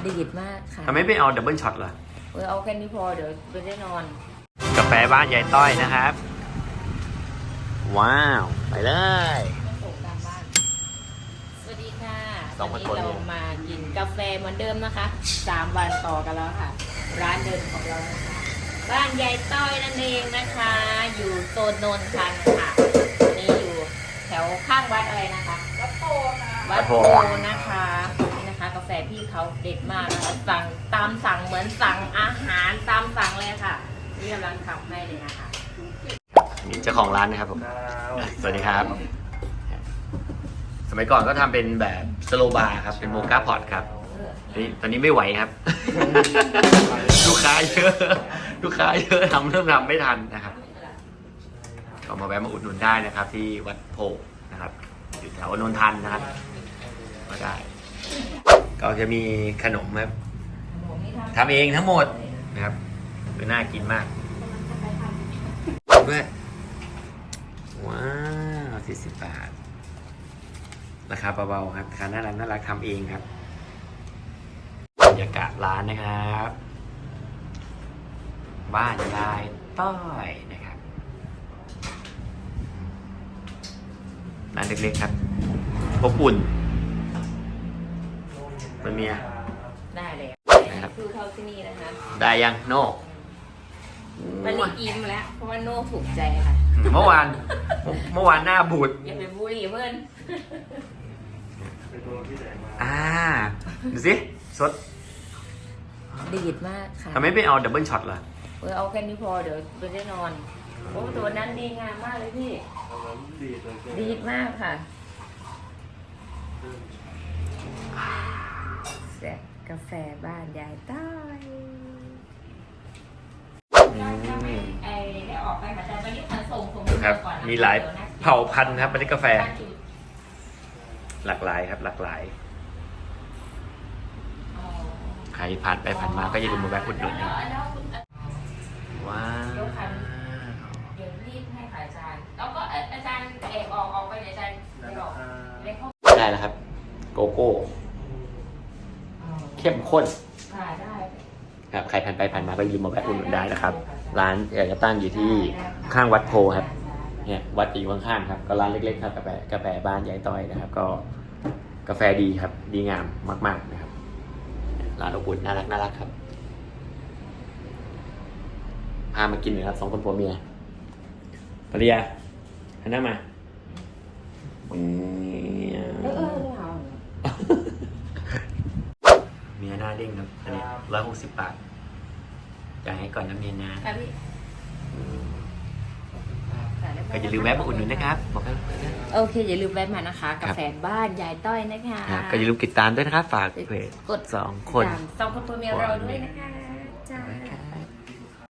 ดีดมากค่ะทำไมไม่เอาดับเบิลช็อตล่ะเอาแค่นี้พอเดี๋ยวไปได้นอนกาแฟบ้านยายต้อยนะครับ ว้าว ไปเลยส่งตามบ้านสวัสดีค่ะสองวันคนนี้เรามากินกาแฟเหมือนเดิมนะคะ3 วันต่อกันแล้วค่ะ ร้านเดิมของเรานะคะบ้านยายต้อยนั่นเองนะคะ อยู่โซนโนนทันค่ะอันนี้อยู่แถวข้างวัดอะไรนะคะวัดโพค่ะวัดโพนะคะนี่นะคะ กาแฟพี่เขาเด็ดมากนะคะสั่งตามสั่งเหมือนสั่งอาหารตามสั่งเลยค่ะนี่กำลังทำให้เลยนะคะนี่เจ้าของร้านนะครับผม สวัสดีครับ สมัยก่อนก็ทำเป็นแบบสโลบาร์ครับ เป็นโมกาพอตครับ ตอนนี้ไม่ไหวครับ ลูกค้าเยอะ ลูกค้าเยอะเริ่มทำไม่ทันนะครับก็มาแวะมาอุดหนุนได้นะครับ ที่วัดโพนะครับ อยู่แถวนนทันนะครับก็ได้ ก็จะมีขนมครับทำเองทั้งหมดนะครับคือน่ากินมากด้วยว้าว40 บาท ราคาเบาๆครับราคาน่ารักทำเองครับบรรยากาศร้านนะครับ บ้านยายต้อยนะครับร้านเล็กๆครับอบอุ่นมันมีได้เลยคือเข้าที่นี่นะคะได้ยังโน่วันนี้อิ่มแล้วเพราะว่าโน่ถูกใจค่ะเมื่อวานหน้าบูดอย่าไปบูลลี่เพื่อนดูสิสดดีดมากค่ะทำไมไม่เอาดับเบิลช็อตล่ะเอาแค่นี้พอเดี๋ยวไปได้นอนโอ้ตัวนั้นดีงามมากเลยพี่ดีดมากค่ะแซ่บกาแฟบ้านยายต้อยได้ออกไปแต่ตอนนี้ส่งครับมีหลายเผ่าพันธุ์ครับอันนี้กาแฟหลากหลายครับหลากหลายใครผ่านไปผ่านมาก็อย่าลืมมาแวะอุดหนุนนะว้าวเดี๋ยวรีบให้ขายอาจารย์แล้วก็อาจารย์เอกออกไปเดี๋ยวอาจารย์เอกออกเล็กเข้าได้แล้วครับ โกโก้เข้มข้นได้ครับใครผ่านไปผ่านมาก็อย่าลืมมาแวะอุดหนุนได้นะครับ ร้านจะตั้งอยู่ที่ข้างวัดโพครับเนี่ยวัดอยู่ข้างๆครับก็ร้านเล็กๆครับกาแฟบ้านยายต้อยนะครับ ก็กาแฟดีครับดีงามมากๆนะครับร้านอบอุ่นน่ารักครับพามากินหน่อยครับ2 คนผัวเมียภรรยาหันหน้ามาเมียหน้าเด้งครับอันนี้160 บาทจ่ายให้ก่อนนะเมียนะก็อย่าลืมแวะมาอุดหนุนนะครับบอกกันโอเคอย่าลืมแวะมานะคะกาแฟบ้านยายต้อยนะคะก็อย่าลืมติดตามด้วยนะครับฝากเพจกด 2 คน 2 คนตัวเมียเราด้วยนะคะจ้า